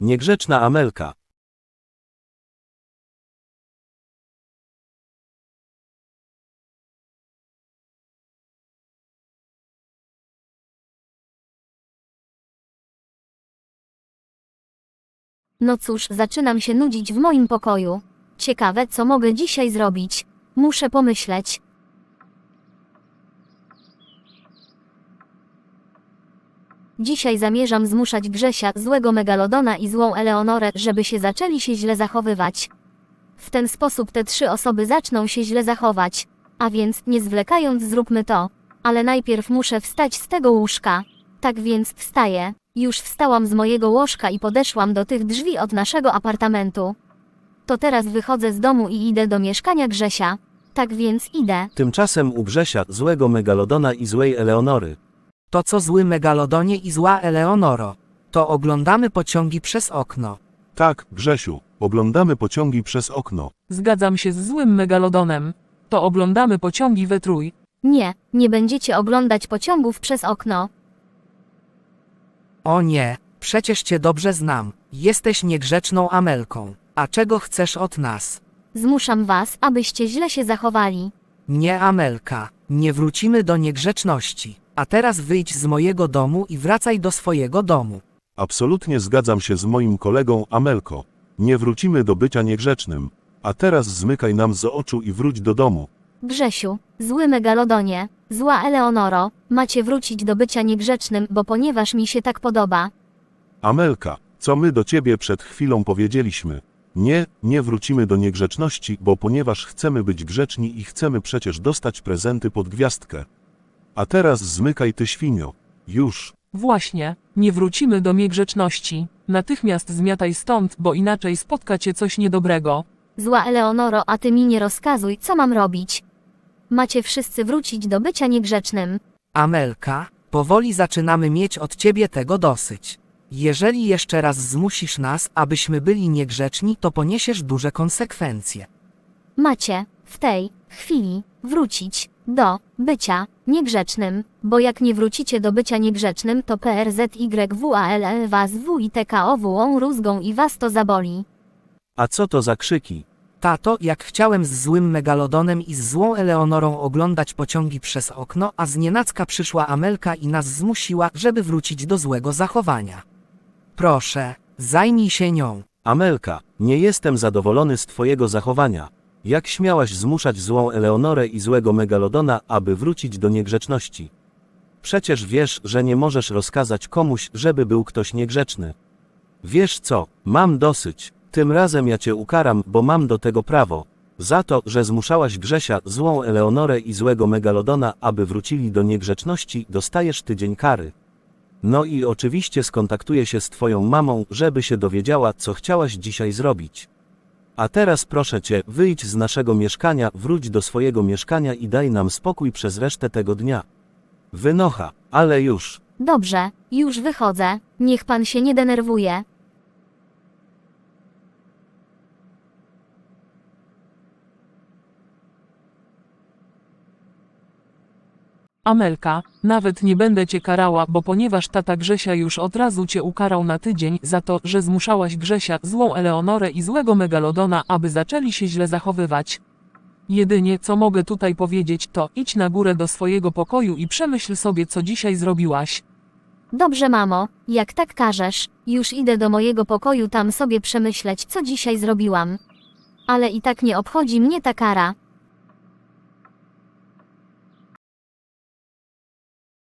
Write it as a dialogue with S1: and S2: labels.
S1: Niegrzeczna Amelka.
S2: No cóż, zaczynam się nudzić w moim pokoju. Ciekawe, co mogę dzisiaj zrobić. Muszę pomyśleć. Dzisiaj zamierzam zmuszać Grzesia, złego Megalodona i złą Eleonorę, żeby się zaczęli się źle zachowywać. W ten sposób te 3 osoby zaczną się źle zachować. A więc, nie zwlekając, zróbmy to. Ale najpierw muszę wstać z tego łóżka. Tak więc wstaję. Już wstałam z mojego łożka i podeszłam do tych drzwi od naszego apartamentu. To teraz wychodzę z domu i idę do mieszkania Grzesia. Tak więc idę.
S1: Tymczasem u Grzesia, złego Megalodona i złej Eleonory.
S3: To co, zły Megalodonie i zła Eleonoro? To oglądamy pociągi przez okno.
S4: Tak, Grzesiu, oglądamy pociągi przez okno.
S5: Zgadzam się z złym Megalodonem. To oglądamy pociągi we trój.
S2: Nie, nie będziecie oglądać pociągów przez okno.
S3: O nie, przecież cię dobrze znam. Jesteś niegrzeczną Amelką. A czego chcesz od nas?
S2: Zmuszam was, abyście źle się zachowali.
S3: Nie, Amelka, nie wrócimy do niegrzeczności. A teraz wyjdź z mojego domu i wracaj do swojego domu.
S4: Absolutnie zgadzam się z moim kolegą Amelko. Nie wrócimy do bycia niegrzecznym. A teraz zmykaj nam z oczu i wróć do domu.
S2: Grzesiu, zły Megalodonie, zła Eleonoro, macie wrócić do bycia niegrzecznym, bo ponieważ mi się tak podoba.
S4: Amelka, co my do ciebie przed chwilą powiedzieliśmy? Nie, nie wrócimy do niegrzeczności, bo ponieważ chcemy być grzeczni i chcemy przecież dostać prezenty pod gwiazdkę. A teraz zmykaj ty, świnio. Już.
S5: Właśnie, nie wrócimy do niegrzeczności. Natychmiast zmiataj stąd, bo inaczej spotka cię coś niedobrego.
S2: Zła Eleonoro, a ty mi nie rozkazuj, co mam robić. Macie wszyscy wrócić do bycia niegrzecznym.
S3: Amelka, powoli zaczynamy mieć od ciebie tego dosyć. Jeżeli jeszcze raz zmusisz nas, abyśmy byli niegrzeczni, to poniesiesz duże konsekwencje.
S2: Macie, w tej chwili, wrócić do bycia niegrzecznym, bo jak nie wrócicie do bycia niegrzecznym, to PRZYWALL was WITKOW rózgą i was to zaboli.
S1: A co to za krzyki?
S3: Tato, jak chciałem z złym Megalodonem i z złą Eleonorą oglądać pociągi przez okno, a znienacka przyszła Amelka i nas zmusiła, żeby wrócić do złego zachowania. Proszę, zajmij się nią.
S1: Amelka, nie jestem zadowolony z twojego zachowania. Jak śmiałaś zmuszać złą Eleonorę i złego Megalodona, aby wrócić do niegrzeczności? Przecież wiesz, że nie możesz rozkazać komuś, żeby był ktoś niegrzeczny. Wiesz co, mam dosyć. Tym razem ja cię ukaram, bo mam do tego prawo. Za to, że zmuszałaś Grzesia, złą Eleonorę i złego Megalodona, aby wrócili do niegrzeczności, dostajesz tydzień kary. No i oczywiście skontaktuję się z twoją mamą, żeby się dowiedziała, co chciałaś dzisiaj zrobić. A teraz proszę cię, wyjdź z naszego mieszkania, wróć do swojego mieszkania i daj nam spokój przez resztę tego dnia. Wynocha, ale już.
S2: Dobrze, już wychodzę, niech pan się nie denerwuje.
S5: Amelka, nawet nie będę cię karała, bo ponieważ tata Grzesia już od razu cię ukarał na tydzień za to, że zmuszałaś Grzesia, złą Eleonorę i złego Megalodona, aby zaczęli się źle zachowywać. Jedynie co mogę tutaj powiedzieć, to idź na górę do swojego pokoju i przemyśl sobie, co dzisiaj zrobiłaś.
S2: Dobrze, mamo, jak tak każesz, już idę do mojego pokoju tam sobie przemyśleć, co dzisiaj zrobiłam. Ale i tak nie obchodzi mnie ta kara.